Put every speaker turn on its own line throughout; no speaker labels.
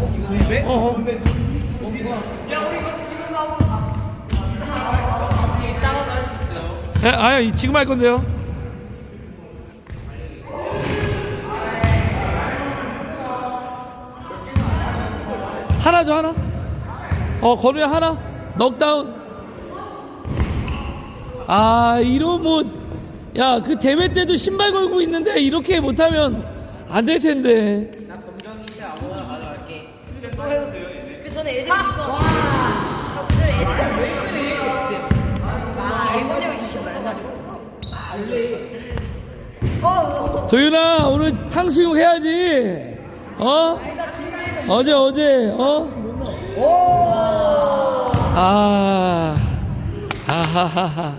이따가도 할 수 있어요.
예, 아유 지금 할 건데요. 하나죠 하나. 건우야 하나. 넉다운. 아 이런 야 그 대회 때도 신발 걸고 있는데 이렇게 못하면 안 될 텐데.
나 검정인데 아무거나 가져갈게.
또 해도 돼요 이제.
그 전에 애들이 이거. 와. 그 전에 애들이 왜 그래? 아 일본에 주시면 말해가지고.
도윤아 오늘 탕수육 해야지. 어제 아하하하.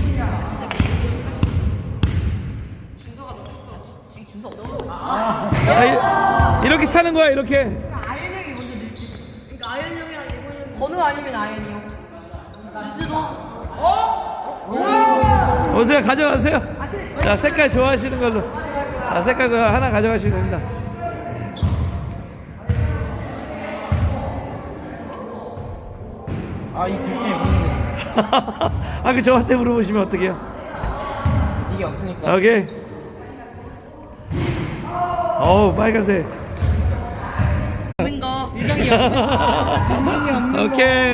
이렇게 차는 거야 이렇게.
아이언 형이 먼저 밀지. 그러니까 아이언 형이랑 이거는 건우 아니면 아이언이요. 진수도.
오세요 가져가세요. 자 색깔 좋아하시는 걸로. 자 색깔 그거 하나 가져가시면 됩니다.
아, 이 둘 중에 고민돼.
그 저한테 물어보시면 어떡해요?
이게 없으니까.
오케이. 빨간색.
없는 거.
오케이.